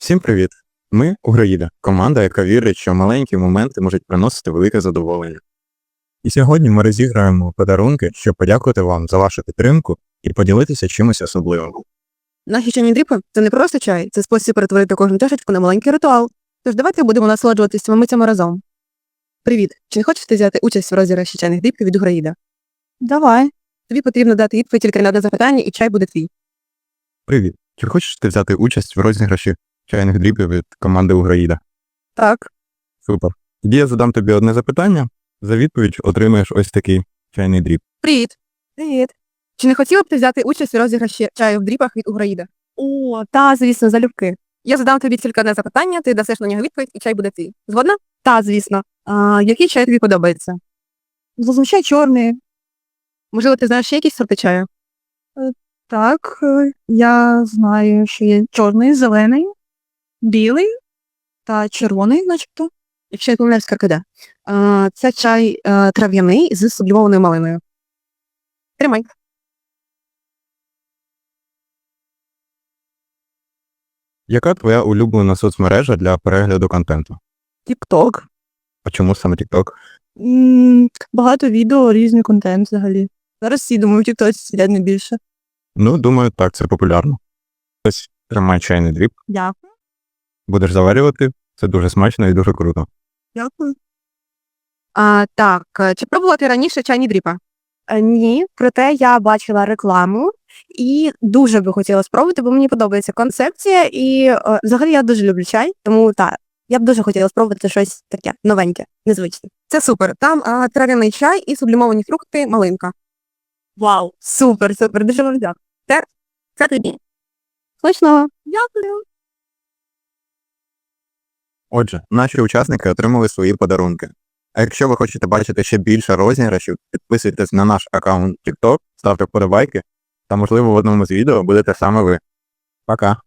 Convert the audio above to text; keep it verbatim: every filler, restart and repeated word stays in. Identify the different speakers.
Speaker 1: Всім привіт! Ми Уграїда, команда, яка вірить, що маленькі моменти можуть приносити велике задоволення. І сьогодні ми розіграємо подарунки, щоб подякувати вам за вашу підтримку і поділитися чимось особливим.
Speaker 2: Наші чайні дріпи – це не просто чай, це спосіб перетворити кожну чашечку на маленький ритуал. Тож давайте будемо насолоджуватися цими митями разом. Привіт! Чи не хочеш ти взяти участь в розіграші чайних дріпів від Уграїда? Давай. Тобі потрібно дати відповідь тільки на одне запитання, і чай буде твій.
Speaker 1: Привіт! Чи хочеш ти взяти участь в розіграші чайних дріпів від команди Уграїда?
Speaker 2: Так.
Speaker 1: Супер. Тоді я задам тобі одне запитання, за відповідь отримаєш ось такий чайний дріп.
Speaker 2: Привіт! Привіт! Чи не хотіла б ти взяти участь у розіграші чаю в дріпах від Уграїда? О, та, звісно, залюбки. Я задам тобі тільки одне запитання, ти дасиш на нього відповідь, і чай буде твій. Згодна? Та, звісно. А, який чай тобі подобається? Зазвичай чорний. Можливо, ти знаєш ще якісь сорти чаю? Так, я знаю, що є чорний, зелений, білий та червоний, начебто. Якщо я помиляюсь, каркаде. А, це чай а, трав'яний з сублімованою малиною. Тримай.
Speaker 1: Яка твоя улюблена соцмережа для перегляду контенту?
Speaker 2: Тік-ток.
Speaker 1: А чому саме TikTok?
Speaker 2: Багато відео, різний контент взагалі. Зараз всі, думаю, в тік-тоці сидять не більше.
Speaker 1: Ну, думаю, так, це популярно. Ось, тримай чайний дріп,
Speaker 2: Дякую.
Speaker 1: будеш заварювати, це дуже смачно і дуже круто.
Speaker 2: Дякую. А, так, чи пробувала ти раніше чайні дріпа? Ні, проте я бачила рекламу і дуже би хотіла спробувати, бо мені подобається концепція і е, взагалі я дуже люблю чай, тому так, я б дуже хотіла спробувати щось таке новеньке, незвичне. Це супер. Там а, трав'яний чай і сублімовані фрукти, малинка. Вау, супер, супер, дуже вам дякую. Це, це тобі. Смачного. Дякую.
Speaker 1: Отже, наші учасники отримали свої подарунки. А якщо ви хочете бачити ще більше розіграшів, підписуйтесь на наш аккаунт TikTok, ставте вподобайки, та можливо в одному з відео будете саме ви. Пока!